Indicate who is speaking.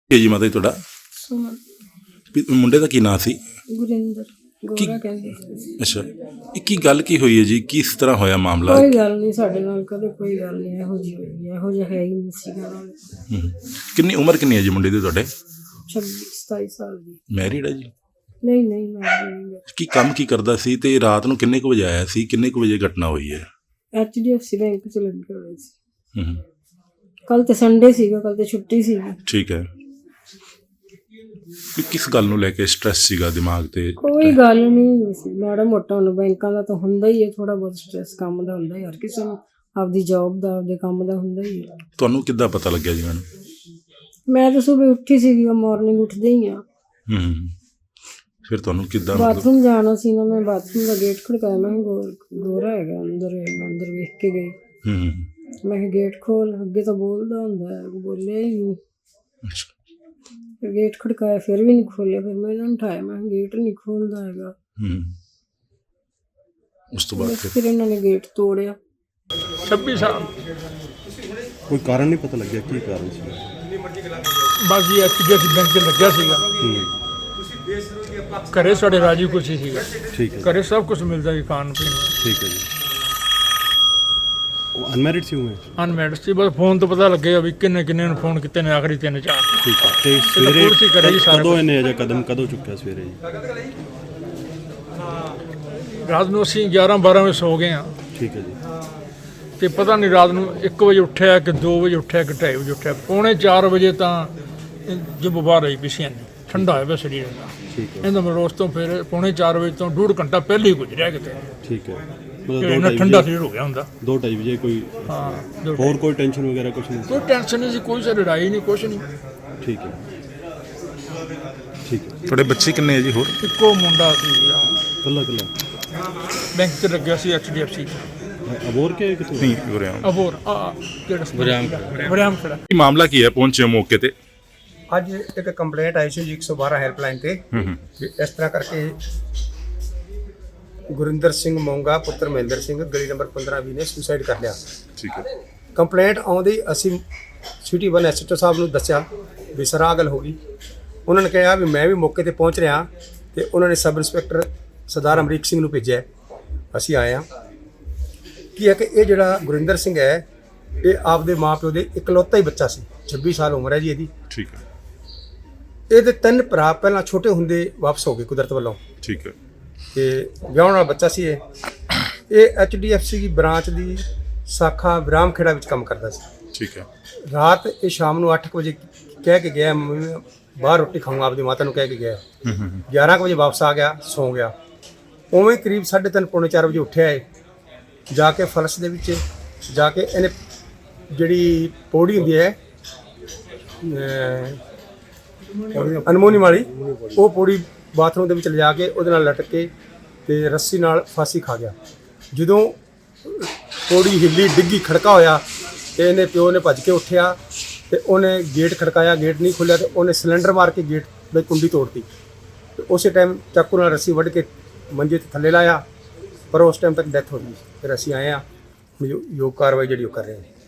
Speaker 1: ਕੀ ਜੀ ਮਾਤਾ ਜੀ ਤੁਹਾਡਾ
Speaker 2: ਸੁਮਨ
Speaker 1: ਮੁੰਡੇ ਦਾ ਕੀ ਨਾਂ ਸੀ?
Speaker 2: ਗੁਰਿੰਦਰ ਗੋਰਾ ਕਹਿੰਦੇ ਸੀ।
Speaker 1: ਅੱਛਾ, ਇਹ ਕੀ ਗੱਲ ਕੀ ਹੋਈ ਹੈ ਜੀ? ਕਿਸ ਤਰ੍ਹਾਂ ਹੋਇਆ ਮਾਮਲਾ?
Speaker 2: ਕੋਈ ਗੱਲ ਨਹੀਂ, ਸਾਡੇ ਨਾਲ ਕਦੇ ਕੋਈ ਗੱਲ ਨਹੀਂ ਇਹੋ ਜਿਹੀ ਹੋਈ, ਇਹੋ ਜਿਹਾ ਹੈ ਹੀ ਨਹੀਂ ਸੀਗਾ ਨਾਲ।
Speaker 1: ਕਿੰਨੀ ਉਮਰ ਕਿੰਨੀ ਹੈ ਜੀ ਮੁੰਡੇ ਦੀ ਤੁਹਾਡੇ?
Speaker 2: 26-27 ਸਾਲ ਦੀ।
Speaker 1: ਮੈਰਿਡ ਹੈ ਜੀ?
Speaker 2: ਨਹੀਂ ਨਹੀਂ, ਮੈਂ ਨਹੀਂ।
Speaker 1: ਕੀ ਕੰਮ ਕੀ ਕਰਦਾ ਸੀ ਤੇ ਰਾਤ ਨੂੰ ਕਿੰਨੇ ਕੁ ਵਜੇ ਆਇਆ ਸੀ? ਕਿੰਨੇ ਕੁ ਵਜੇ ਘਟਨਾ ਹੋਈ ਹੈ?
Speaker 2: HDFC ਬੈਂਕ ਚ ਲੱਗੇ ਹੋਏ ਸੀ। ਕੱਲ ਤੇ ਸੰਡੇ ਸੀਗਾ, ਕੱਲ ਤੇ ਛੁੱਟੀ ਸੀਗੀ।
Speaker 1: ਠੀਕ ਹੈ। ਕਿਸ ਗੱਲ ਨੂੰ ਲੈ ਕੇ ਸਟ੍ਰੈਸ ਸੀਗਾ ਦਿਮਾਗ ਤੇ?
Speaker 2: ਕੋਈ ਗੱਲ ਨਹੀਂ ਸੀ, ਮਾੜਾ ਮੋਟਾ ਹੁਣ ਬੈਂਕਾਂ ਦਾ ਤਾਂ ਹੁੰਦਾ ਹੀ ਹੈ, ਥੋੜਾ ਬਹੁਤ ਸਟ੍ਰੈਸ ਕੰਮ ਦਾ ਹੁੰਦਾ ਯਾਰ, ਕਿਸੇ ਨੂੰ ਆਪਦੀ ਜੌਬ ਦਾ ਆਪਦੇ ਕੰਮ ਦਾ ਹੁੰਦਾ ਹੀ ਹੈ।
Speaker 1: ਤੁਹਾਨੂੰ ਕਿੱਦਾਂ ਪਤਾ ਲੱਗਿਆ ਜੀ ਮੈਨੂੰ?
Speaker 2: ਮੈਂ ਤਾਂ ਸਵੇਰੇ ਉੱਠੀ ਸੀਗੀ, ਮਾਰਨਿੰਗ ਉੱਠਦੇ ਹੀ ਆ।
Speaker 1: ਫਿਰ ਤੁਹਾਨੂੰ ਕਿੱਦਾਂ?
Speaker 2: ਬਾਥਰੂਮ ਜਾਣਾ ਸੀ ਨਾ, ਮੈਂ ਬਾਥਰੂਮ ਦਾ ਗੇਟ ਖੜਕਾਇਆ, ਮੈਂ ਗੋਰਾ ਹੈਗਾ ਅੰਦਰ, ਅੰਦਰ ਵੇਖ ਕੇ ਗਈ। ਮੈਂ ਕਿਹਾ ਗੇਟ ਖੋਲ, ਅੱਗੇ ਤਾਂ ਬੋਲਦਾ ਹੁੰਦਾ ਹੈ, ਬੋਲਿਆ ਹੀ ਨਹੀਂ। ਗੇਟ ਖੜਕਾਇਆ, ਫਿਰ ਵੀ ਨਹੀਂ ਖੋਲਿਆ। ਫਿਰ ਮੈਂ ਇਹਨਾਂ ਨੂੰ ਉਠਾਇਆ, ਮੈਂ ਕਿਹਾ ਗੇਟ ਨਹੀਂ ਖੋਲਦਾ ਹੈਗਾ।
Speaker 1: ਉਸ ਤੋਂ ਬਾਅਦ
Speaker 2: ਫਿਰ ਇਹਨਾਂ ਨੇ ਗੇਟ ਤੋੜਿਆ।
Speaker 3: 26 ਸਾਲ।
Speaker 4: ਕੋਈ ਕਾਰਨ ਨਹੀਂ ਪਤਾ ਲੱਗਿਆ ਕੀ ਕਾਰਨ ਸੀ?
Speaker 3: ਬਸ ਜੀ HDFC ਬੈਂਕ 'ਚ ਲੱਗਿਆ ਸੀਗਾ। ਘਰੇ ਸਾਡੇ ਰਾਜੀ ਖੁਸ਼ੀ ਸੀਗਾ।
Speaker 4: ਠੀਕ ਹੈ,
Speaker 3: ਘਰੇ ਸਭ ਕੁਝ ਮਿਲਦਾ ਸੀ ਖਾਣ ਪੀਣ ਨੂੰ।
Speaker 4: ਠੀਕ ਹੈ ਜੀ। ਉਹ ਅਨਮੈਰਿਡ ਸੀ ਉਵੇਂ?
Speaker 3: ਅਨਮੈਰਿਡ ਸੀ, ਬਸ ਫੋਨ ਤੋਂ ਪਤਾ ਲੱਗਿਆ ਵੀ ਕਿੰਨੇ ਨੂੰ ਫੋਨ ਕੀਤੇ ਨੇ, ਆਖਰੀ 3-4।
Speaker 4: ਠੀਕ ਹੈ। ਤੇ ਸਵੇਰੇ
Speaker 3: ਕੁਰਸੀ ਕਰੇ ਜੀ ਸਾਰਾ
Speaker 4: ਕਦੋਂ ਇਹਨੇ ਅਜਾ ਕਦਮ ਕਦੋਂ ਚੁੱਕਿਆ ਸਵੇਰੇ ਜੀ?
Speaker 3: ਰਾਤ ਨੂੰ ਅਸੀਂ 11-12 ਵਜੇ ਸੋ ਗਏ ਹਾਂ
Speaker 4: ਠੀਕ ਹੈ ਜੀ।
Speaker 3: ਤੇ ਪਤਾ ਨਹੀਂ ਰਾਤ ਨੂੰ 1 ਵਜੇ ਉੱਠਿਆ ਕਿ 2 ਵਜੇ ਉੱਠਿਆ ਕਿ 2:30 ਵਜੇ ਉੱਠਿਆ। 3:45 ਵਜੇ ਤਾਂ ਜਬ ਬਾਹਰ ਆਈ ਪਿਛੇ ਨਹੀਂ ਠੰਡਾ ਹੋਇਆ ਪਿਆ ਸਰੀਰ ਦਾ।
Speaker 4: ਠੀਕ ਹੈ।
Speaker 3: ਇਹਦਾ ਮੈਂ ਰੋਜ਼ ਤੋਂ ਫਿਰ 3:45 ਵਜੇ ਤੋਂ 1.5 ਘੰਟਾ ਪਹਿਲੇ ਹੀ ਗੁਜ਼ਰਿਆ ਕਿਤੇ,
Speaker 4: ਠੀਕ ਹੈ।
Speaker 3: ਇੰਨਾ ਠੰਡਾ ਸਰੀਰ ਹੋ ਗਿਆ ਹੁੰਦਾ।
Speaker 4: 2-2:30 ਵਜੇ ਕੋਈ
Speaker 3: ਹਾਂ,
Speaker 4: ਹੋਰ ਕੋਈ ਟੈਨਸ਼ਨ ਵਗੈਰਾ ਕੁਝ ਨਹੀਂ?
Speaker 3: ਕੋਈ ਟੈਨਸ਼ਨ ਨਹੀਂ ਸੀ, ਕੋਈ ਸੇ ਲੜਾਈ ਨਹੀਂ, ਕੁਛ ਨਹੀਂ।
Speaker 4: ਠੀਕ ਹੈ, ਠੀਕ ਹੈ।
Speaker 1: ਤੁਹਾਡੇ ਬੱਚੇ ਕਿੰਨੇ ਹੈ ਜੀ ਹੋਰ?
Speaker 3: ਇੱਕੋ ਮੁੰਡਾ ਸੀ,
Speaker 4: ਕੱਲਾ
Speaker 3: ਬੈਂਕ 'ਚ ਲੱਗਿਆ ਸੀ HDFC 'ਚ।
Speaker 4: ਅਬੋਰ ਕੇ ਕਿਤੋਂ?
Speaker 1: ਨਹੀਂ ਹੋ ਰਿਹਾ।
Speaker 3: ਅਬੋਰ ਕਿਹੜਾ ਵਰਿਆਮ ਖੜਾ।
Speaker 1: ਕੀ ਮਾਮਲਾ ਕੀ ਹੈ? ਪਹੁੰਚੇ ਮੌਕੇ ਤੇ?
Speaker 5: ਅੱਜ ਇੱਕ ਕੰਪਲੇਂਟ ਆਈ ਸੀ ਜੀ 112 ਹੈਲਪਲਾਈਨ ਤੇ ਵੀ ਇਸ ਤਰ੍ਹਾਂ ਕਰਕੇ ਗੁਰਿੰਦਰ ਸਿੰਘ ਮੋਂਗਾ ਪੁੱਤਰ ਮਹਿੰਦਰ ਸਿੰਘ ਗਲੀ ਨੰਬਰ 15-20 ਨੇ ਸੁਸਾਈਡ ਕਰ ਲਿਆ।
Speaker 1: ਠੀਕ ਹੈ।
Speaker 5: ਕੰਪਲੇਂਟ ਆਉਂਦੀ ਅਸੀਂ ਸਿਟੀ 1 SHO ਸਾਹਿਬ ਨੂੰ ਦੱਸਿਆ ਵੀ ਸਰ ਆਹ ਗੱਲ ਹੋ ਗਈ। ਉਹਨਾਂ ਨੇ ਕਿਹਾ ਵੀ ਮੈਂ ਵੀ ਮੌਕੇ ਤੇ ਪਹੁੰਚ ਰਿਹਾ ਤੇ ਉਹਨਾਂ ਨੇ ਸਬ ਇੰਸਪੈਕਟਰ ਸਰਦਾਰ ਅਮਰੀਕ ਸਿੰਘ ਨੂੰ ਭੇਜਿਆ। ਅਸੀਂ ਆਏ ਹਾਂ। ਕੀ ਹੈ ਕਿ ਇਹ ਜਿਹੜਾ ਗੁਰਿੰਦਰ ਸਿੰਘ ਹੈ, ਇਹ ਆਪਦੇ ਮਾਂ-ਪਿਓ ਦੇ ਇਕਲੌਤਾ ਹੀ ਬੱਚਾ ਸੀ। 26 ਸਾਲ ਉਮਰ ਹੈ ਜੀ ਇਹਦੀ।
Speaker 1: ਠੀਕ ਹੈ।
Speaker 5: ਇਹਦੇ 3 ਭਰਾ ਪਹਿਲਾਂ ਛੋਟੇ ਹੁੰਦੇ ਵਾਪਸ ਹੋ ਗਏ ਕੁਦਰਤ ਵੱਲੋਂ।
Speaker 1: ਠੀਕ ਹੈ।
Speaker 5: ਤੇ ਵਿਆਹੁਣ ਵਾਲਾ ਬੱਚਾ ਸੀ ਇਹ HDFC ਦੀ ਬ੍ਰਾਂਚ ਦੀ ਸ਼ਾਖਾ ਵਿਰਾਮ ਖੇੜਾ ਵਿੱਚ ਕੰਮ ਕਰਦਾ ਸੀ।
Speaker 1: ਠੀਕ ਹੈ।
Speaker 5: ਰਾਤ ਇਹ ਸ਼ਾਮ ਨੂੰ 8 ਵਜੇ ਕਹਿ ਕੇ ਗਿਆ, ਮੰਮੀ ਮੈਂ ਬਾਹਰ ਰੋਟੀ ਖਾਊਂਗਾ, ਆਪਦੀ ਮਾਤਾ ਨੂੰ ਕਹਿ ਕੇ ਗਿਆ। 11 ਵਜੇ ਵਾਪਸ ਆ ਗਿਆ, ਸੌਂ ਗਿਆ। ਉਵੇਂ ਕਰੀਬ 3:30-4 ਵਜੇ ਉੱਠਿਆ ਹੈ, ਜਾ ਕੇ ਫਲਸ਼ ਦੇ ਵਿੱਚ ਜਾ ਕੇ ਇਹਨੇ ਜਿਹੜੀ ਪੌੜੀ ਹੁੰਦੀ ਹੈ ਅਨਮੋਨੀ ਵਾਲੀ, ਉਹ ਪੌੜੀ ਬਾਥਰੂਮ ਦੇ ਵਿੱਚ ਲਿਜਾ ਕੇ ਉਹਦੇ ਨਾਲ ਲਟਕ ਕੇ ਤੇ ਰੱਸੀ ਨਾਲ ਫਾਂਸੀ ਖਾ ਗਿਆ। ਜਦੋਂ ਪੌੜੀ ਹਿੱਲੀ ਡਿੱਗੀ, ਖੜਕਾ ਹੋਇਆ ਤੇ ਇਹਨੇ ਪਿਓ ਨੇ ਭੱਜ ਕੇ ਉੱਠਿਆ ਤੇ ਉਹਨੇ ਗੇਟ ਖੜਕਾਇਆ, ਗੇਟ ਨਹੀਂ ਖੁੱਲਿਆ ਤੇ ਉਹਨੇ ਸਿਲੰਡਰ ਮਾਰ ਕੇ ਗੇਟ ਦੀ ਕੁੰਡੀ ਤੋੜਤੀ ਤੇ ਉਸੇ ਟਾਈਮ ਚਾਕੂ ਨਾਲ ਰੱਸੀ ਵੱਢ ਕੇ ਮੰਜੇ ਤੇ ਥੱਲੇ ਲਾਇਆ, ਪਰ ਉਸ ਟਾਈਮ ਤੱਕ ਡੈਥ ਹੋ ਗਈ। ਫਿਰ ਅਸੀਂ ਆਏ ਹਾਂ, ਯੋਗ ਕਾਰਵਾਈ ਜਿਹੜੀ ਉਹ ਕਰ ਰਹੇ ਹਾਂ।